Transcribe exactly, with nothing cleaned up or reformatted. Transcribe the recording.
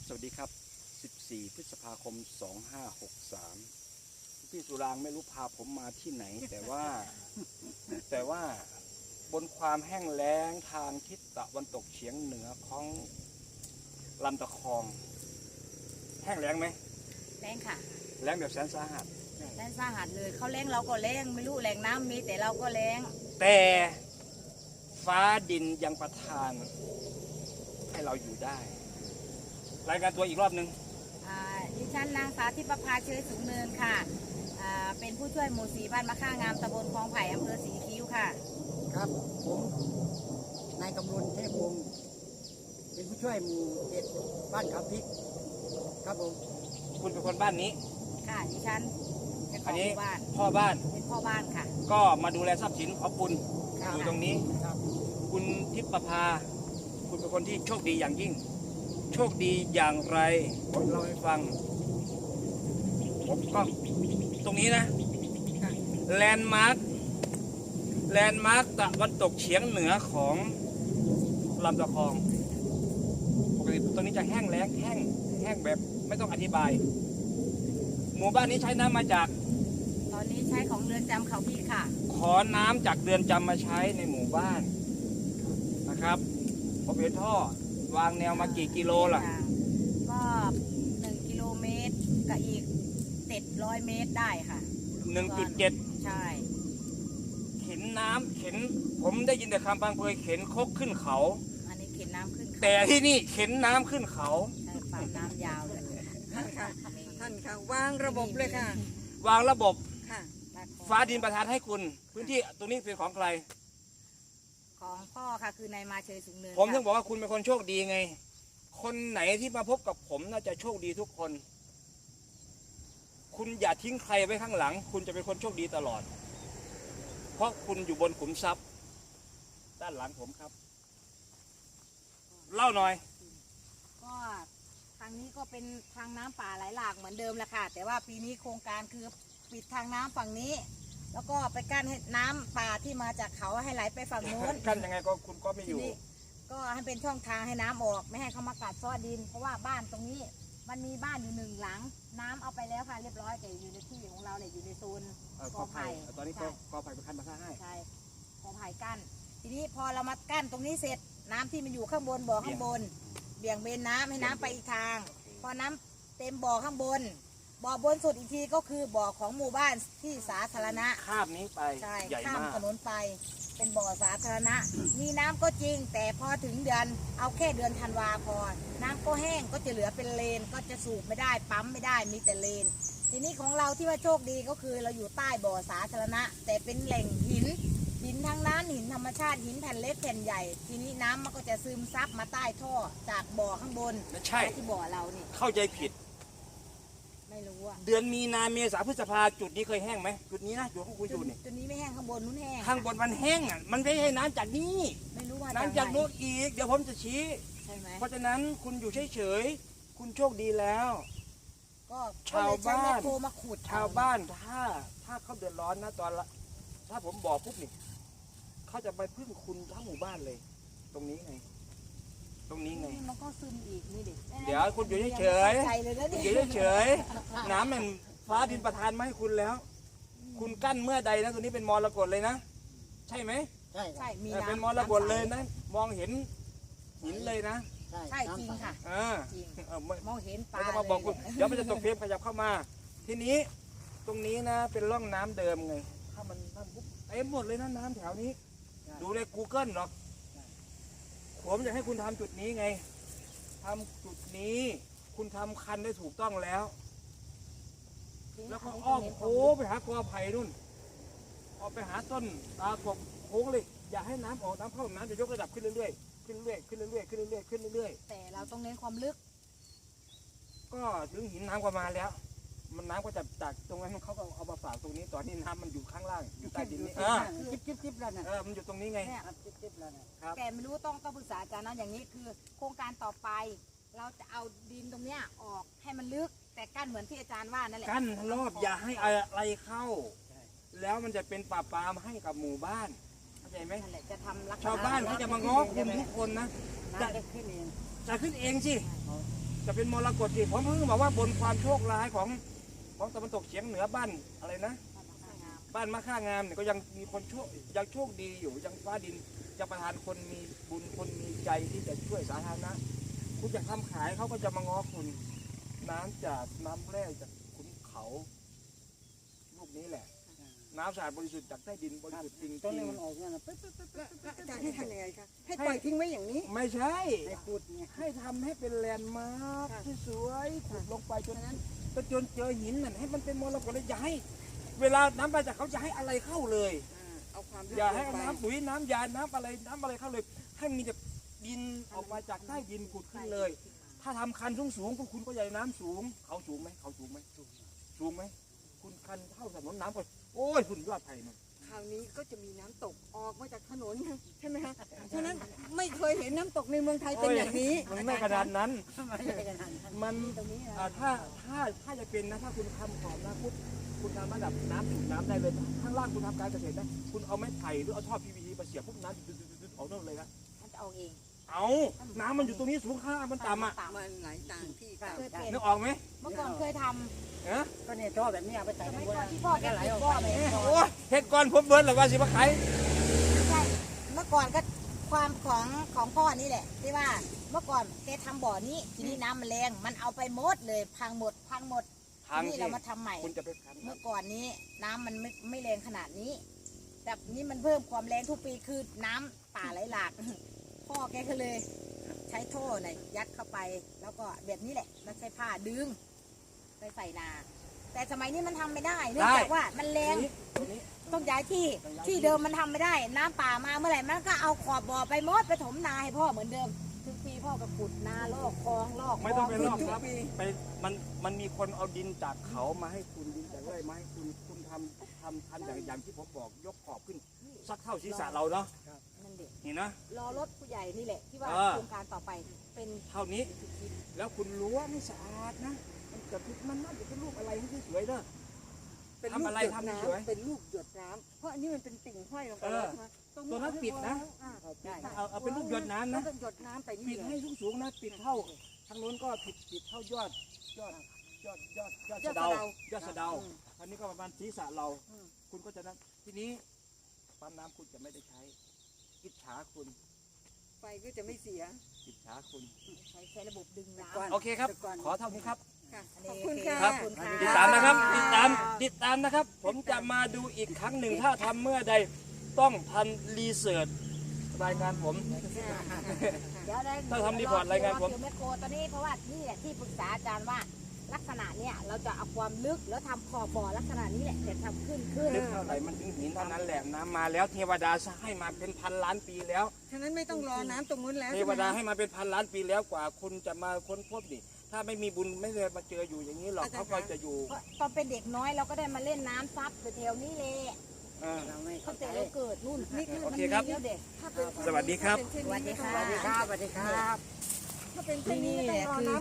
สวัสดีครับสิบสี่พฤษภาคมสองห้าหกสามพี่สุรางไม่รู้พาผมมาที่ไหน แต่ว่า แต่ว่าบนความแห้งแล้งทางทิศตะวันตกเฉียงเหนือของลำตะคองแห้งแล้งไหมแรงค่ะแล้งแบบแสนสาหัสแรงสาหัสเลยเขาแรงเราก็แรงไม่รู้แรงน้ำมีแต่เราก็แรงแต่ฟ้าดินยังประทานให้เราอยู่ได้รายการตัวอีกรอบหนึ่งอ่าดิฉันนางสาวทิพภาเชยสูงเนินค่ะอ่าเป็นผู้ช่วยหมู่สีบ้านมะค่างามตำบลคลองไผ่อำเภอศรีคิ้วค่ะครับผมนายกำลุนเทพวงศ์เป็นผู้ช่วยหมู่เจ็ดบ้านเขาพริกครับผมคุณเป็นคนบ้านนี้ค่ะดิฉันเป็นขอัอน งหนี้มู่บ้านพ่อบ้านเป็นพ่อบ้านค่ะก็มาดูแลทรัพย์สินของคุณค่ะอยู่ตรงนี้ครับคุณทิพภาคุณเป็นคนที่โชคดีอย่างยิ่ง โชคดีอย่างไรผมเล่าให้ฟังผมก็ตรงนี้นะแลนด์มาร์คแลนด์มาร์คตะวันตกเฉียงเหนือของลำตะคองปกติตรงนี้จะแห้งแล้งแห้งแห้งแบบไม่ต้องอธิบาย หมู่บ้านนี้ใช้น้ำมาจากตอนนี้ใช้ของเรือนจำเขาพี่ค่ะขอน้ำจากเรือนจำมาใช้ในหมู่บ้านนะครับผมเห็นท่อวางแนวมากี่กิโลล่ะก็หนึ่งกิโลเมตรกับอีกเจ็ดร้อยเมตรได้ค่ะหนึ่งจุดเจ็ดใช่เข็นน้ำเข็นผมได้ยินแต่คำบางเพยเข็นคกขึ้นเขาอันนี้เข็นน้ำขึ้นเขาแต่ที่นี่เข็นน้ำขึ้นเขาใช่ปั๊มน้ำยาวเลยท่านค่ะท่านค่ะวางระบบเลยค่ะวางระบบค่ะฟ้าดินประทานให้คุณ พื้นที่ตรงนี้เป็นของใครของพ่อค่ะคือนายมาเชยสูงเนินผมถึงค่ะบอกว่าคุณเป็นคนโชคดีไง คนไหนที่มาพบกับผมน่าจะโชคดีทุกคน คุณอย่าทิ้งใครไว้ข้างหลัง คุณจะเป็นคนโชคดีตลอด เพราะคุณอยู่บนขุมทรัพย์ ด้านหลังผมครับ เล่าหน่อยก็ทางนี้ก็เป็นทางน้ำป่าไหลหลากเหมือนเดิมแหละค่ะ แต่ว่าปีนี้โครงการคือปิดทางน้ำฝั่งนี้ แล้วก็ไปกั้นให้น้ำป่าที่มาจากเขาให้ไหลไปฝั่งโน้นกันยังไงก็คุณก็ไม่อทียู่นี้ก็ให้เป็นช่องทางให้น้ำออก ไม่ให้เขามากัดซ้อดิน เพราะว่าบ้านตรงนี้มันมีบ้านอยู่หนึ่งหลัง น้ำเอาไปแล้วค่ะเรียบร้อยแต่อยู่ในที่ของเราเนี่ยอยู่ในโซนเอ่อกอไผ่ตอนนี้กอกอไผ่เป็นคันมาท่าให้ใช่กอไผ่กั้นทีนี้พอเรามากั้นตรงนี้เสร็จน้ำที่มันอยู่ข้างบนบ่อข้างบน เบี่ยงเบนน้ำให้น้ำไปอีกทาง พอน้ำเต็มบ่อข้างบน บ่อบนสุดอีกทีก็คือบ่อของหมู่บ้านที่สาธารณะข้ามนี้ไปใช่ใหญ่ข้ามมากถนนไปเป็นบ่อสาธารณะ มีน้ำก็จริง แต่พอถึงเดือนเอาแค่เดือนธันวาพอน้ำก็แห้งก็จะเหลือเป็นเลนก็จะสูบไม่ได้ปั๊มไม่ได้มีแต่เลน ทีนี้ของเราที่ว่าโชคดีก็คือเราอยู่ใต้บ่อสาธารณะ แต่เป็นแหล่งหิน หินทั้งนั้นหินธรรมชาติหินแผ่นเล็กแผ่นใหญ่ ทีนี้น้ำมันก็จะซึมซับมาใต้ท่อจากบ่อข้างบนไม่ใช่ที่บ่อเรานี่เข้าใจผิดไม่รู้อะเดือนมีนาเมษาพฤษภาจุดนี้เคยแห้งไหมจุดนี้นะจุดของคุณอจุยู่ดนี่จุดนี้ไม่แห้งข้างบนนู้นแห้งข้างบนมันแห้งอ่ะมันไม่ใช่น้ำจากนี้ไม่รู้ว่าน้ำจากโน้นอีกเดี๋ยวผมจะชี้ใช่ไหมเพราะฉะนั้นคุณอยู่เฉยๆคุณโชคดีแล้วก็ชาวบ้านก็เลยใช้แมคโครมาขุดชาวบ้านถ้าถ้าเขาเดือดร้อนนะตอนละถ้าผมบอกปุ๊บนี่เขาจะไปพึ่งคุณทั้งหมู่บ้านเลย ตรงนี้ไง ตรงนี้ไงนี่มันก็ซึมอีกนี่ดิเดี๋ยวคุณอยู่เฉยๆใจเลยนะคุณนี่อยู่เฉยๆน้ำมันฟ้าดินประทานมาให้คุณแล้ว คุณกั้นเมื่อใดนะตัวนี้เป็นมรกตเลยนะ ใช่ไหมใช่ครัใช่บมีเออน้ำเป็นมรกตเลยนะ มองเห็นหินเลยนะใช่จริงค่ะเออจริงเออไม่มองเห็นปไม่ลาต้องมาบอกคุณเลยเดี๋ยวมันจะตกเฟรมขยับเข้ามา ทีนี้ตรงนี้นะเป็นร่องน้ำเดิมไง ถ้ามันถ้าปุ๊บเต็มหมดเลยนะน้ำแถวนี้ ดูใน Google หรอกผมอยากให้คุณทำจุดนี้ไงทำจุดนี้ คุณทำคันได้ถูกต้องแล้ว แล้วก็อ้อมโค้งไปหากอไผ่นู่นออกไปหาต้นตาขบโค้งเลย อย่าให้น้ำออกน้ำเข้าน้ำจะยกระดับขึ้นเรื่อยๆขึ้นเรื่อยๆขึ้นเรื่อยๆขึ้นเรื่อยๆขึ้นเรื่อยแต่เราต้องเน้นความลึกๆก็ถึงหินน้ำก็มาแล้ว มันน้ำก็จะจากตรงนั้นเขาก็เอามาฝากตรงนี้ตอนนี้น้ำมันอยู่ข้างล่างอยู่ใต้ดินนี่อ่าจิ๊บจิ๊บจิ๊บแล้วนะเออมันอยู่ตรงนี้ไงเนี่ยครับจิ๊บจิ๊บแล้วนะครับแต่ไม่รู้ต้องต้องปรึกษาอาจารย์นะอย่างนี้คือ โครงการต่อไป เราจะเอาดินตรงเนี้ยออกให้มันลึก แต่กั้นเหมือนที่อาจารย์ว่านั่นแหละกั้นรอบอย่าให้อะไรเข้า แล้วมันจะเป็นป่าปามให้กับหมู่บ้านเข้าใจไหมนั่นแหละจะทำลักษณะชาวบ้านเขาจะมาง้อคุณทุกคนนะน้ำได้ขึ้นเองจะขึ้นเองสิอ๋อจจะเป็นมรกตที่ผมเพิ่งบอกว่าบนความโชคร้ายของของตะวันตกเฉียงเหนือบ้านอะไรนะ บ้านมะค่างามเนี่ยก็ยังมีคนโชคยังโชคดีอยู่ยังฟ้าดินจะประทานคนมีบุญคนมีใจที่จะช่วยสาธารณะคุณจะทำขายเขาก็จะมาง้อคุณน้ำจากน้ำแร่จากขุนเขาลูกนี้แหละ น้ำสะอาดบริสุทธิ์จากใต้ดินบริสุทธิ์จริงต้นจรินี้งมันออกเนี่ยนะปึ๊บปึ๊บปึ๊บปึ๊บแล้วอาจารย์ให้ทำยังไงคะให้ปล่อยทิ้งไว้อย่างนี้ไม่ใช่ให้พูดเนี่ยให้ทำให้เป็นแลนด์มาร์คค่ะที่สวยขุดลงไปจนนั้นก็จนเจอหินนั่นให้มันเป็นมรกตเลยอย่าให้เวลาน้ำมาจากเขาจะให้อะไรเข้าเลยอ่าเอาความอย่าให้ลเอางไปน้ำปุ๋ยน้ำยา น้ำอะไรน้ำอะไรเข้าเลย ให้มีแต่ดินออกมาจากใต้ดินขุดขึ้นเลย ถ้าทำคันสูงสูงๆพวกคุณก็ใหญ่น้ำสูง เขาสูงไหมเขาสูงไหมสูงไหมคุณคันเท่าถนนน้ำก็โอ้ยคุณยอดไผ่มันคราวนี้ก็จะมีน้ำตกออกมาจากถนนใช่ไหมคะฉะนั้นไม่เคยเห็นน้ำตกในเมืองไทยเป็นอย่างนี้มันไม่ขนาดนั้นไม่ใช่ขนาดนั้นมันตรงนี้นะอ่าถ้าถ้าถ้าจะเป็นนะถ้าคุณทำขอบนะปุ๊บคุณทำระดับน้ำสูบน้ำได้เลยข้างล่างคุณทำการเกษตรนะคุณเอาไม้ไผ่หรือเอาท่อ พี วี ซี มาเสียบปุ๊บน้ำดึ๊ดๆๆๆออกนั่นเลยนะมันจะเอาเองเอาน้ำมันอยู่ตรงนี้สูงข้างล่างมันต่ำอ่ะมันไหลต่างที่ต่างเคยเป็นนึกออกไหมเมื่อก่อนเคยทเอ๊ะก็เนี่ยท่อแบบนี้เอาไปใส่ำสในมัยบัวก่อนนะที่พ่อแกก็ไหลติดออกบ่อไปไปโอ้ยเฮ็ดก่อนผมเบิร์นหรือว่าสิมาขายใช่เมื่อก่อนก็ความของของพ่อนี่แหละ ที่ว่าเมื่อก่อนแกทำบ่อนี้ทีนี้น้ำมันแรงมันเอาไปหมดเลยพังหมดพังหมดทางทีนี่ที่เรามาทำใหม่คุณจะไปคันเมื่อก่อนนี้น้ำมันไม่ไม่แรงขนาดนี้ แต่นี้มันเพิ่มความแรงทุกปีคือน้ำป่าไหลหลาก พ่อแกก็เลยใช้โท่น่ะยัดเข้าไป แล้วก็แบบนี้แหละแล้วใช้ผ้าดึงไปใส่นา แต่สมัยนี้มันทำไม่ได้เนื่องจากว่ามันแรงตรงนี้ต้องย้ายที่ที่เดิมมันทำไม่ได้ น้ำป่ามาเมื่อไหร่มันก็เอาขอบบ่อไปหมดไปถมนาให้พ่อเหมือนเดิมทุกปีพ่อก็ขุดนาลอกคลองลอกคลไม่ต้องไปลอกทุครับปีไปมันมันมีคนเอาดินจากเขามาให้คุณดินจากไร่มาให้คุณคุณทำทำทำอย่างอย่างที่ผมบอกยกขอบขึ้นสักเท่าศีรษะเราเนาะนั่นเด็กเห็นนะรอรถผู้ใหญ่นี่แหละที่ว่าเออโครงการต่อไปเป็นเท่านี้ แล้วคุณรู้ว่าไม่สะอาดนะมันจะมันน่าจะเป็นรูปอะไรที่สวยเด้อเป็นทำอะไรลูกหยดทำให้สวยน้ำเป็นลูกหยดน้ำเพราะอันนี้มันเป็นติ่งห้อยลงไปเออแล้วใช่ไหมตรงตัวนั้นปิดนะอ่าเอาเอาเป็นรูปหยดน้ำแล้นะวก็หยดน้ำไปนี่ปิดเลให้ยสูงสูงๆนะปิดเท่าทางโน้นก็ปิดปิดเท่ายอดยอดยอดยอดยอดยอดสะเดายสะเดายอดสะเดาอืมอันนี้ก็ประมาณศีรษะเราอืมคุณก็จะนั้นทีนี้ปั๊มน้ำคุณจะไม่ได้ใช้อิจฉาคุณไฟก็จะไม่เสียอิจฉาคุณใช้ใช้ระบบดึงน้ก่อนโอเคครับ ขอเท่านี้ครับค่ะำอันขอบนี้คุณโอเค่ะครับขอบคุณค่ะติดตามนะครับ ติดตาม ติดตามนะครับ ผมจะมาดูอีกครั้งหนึ่ง ถ้าทำเมื่อใด ต้องทันรีเสิร์ชรายงานผมเดี๋ยวได้ถ้าทำรีพอร์ตรายงานผมเดี๋วแมคโครตอนนี้เพราะว่านี่แหละที่ปรึกษาอาจารย์ว่าลักษณะเนี้ยเราจะเอาความลึกแล้วทำขอบบ่อลักษณะนี้แหละแต่ทำขึ้นขึ้นลึกเท่าไหร่มันถึงหินเท่านั้นแหละน้ำมาแล้วเทวดาให้มาเป็นพันล้านปีแล้วฉะนั้นไม่ต้องรอน้ำตรงนู้นแล้วเทใช่วไหมดาคะให้มาเป็นพันล้านปีแล้วกว่าคุณจะมาค้นพบดิถ้าไม่มีบุญไม่ได้มาเจออยู่อย่างนี้หรอกเขาก็จะอยู่เพราะตอนเป็นเด็กน้อยเราก็ได้มาเล่นน้ำซับแถวๆนี้เลยเออเราไม่เขาเข้าใจแต่เราเกิดนู่นนี่คือโอมันเคมีครับแล้วเด็กถ้าเป็นเช่นนี้สวัสดีครับถ้าเป็นเช่นนี้ไม่ต้องสวัสดีรอค่ะสวัสดีครับถ้าเป็นเช่นนี้ไม่ต้องรอน้ำ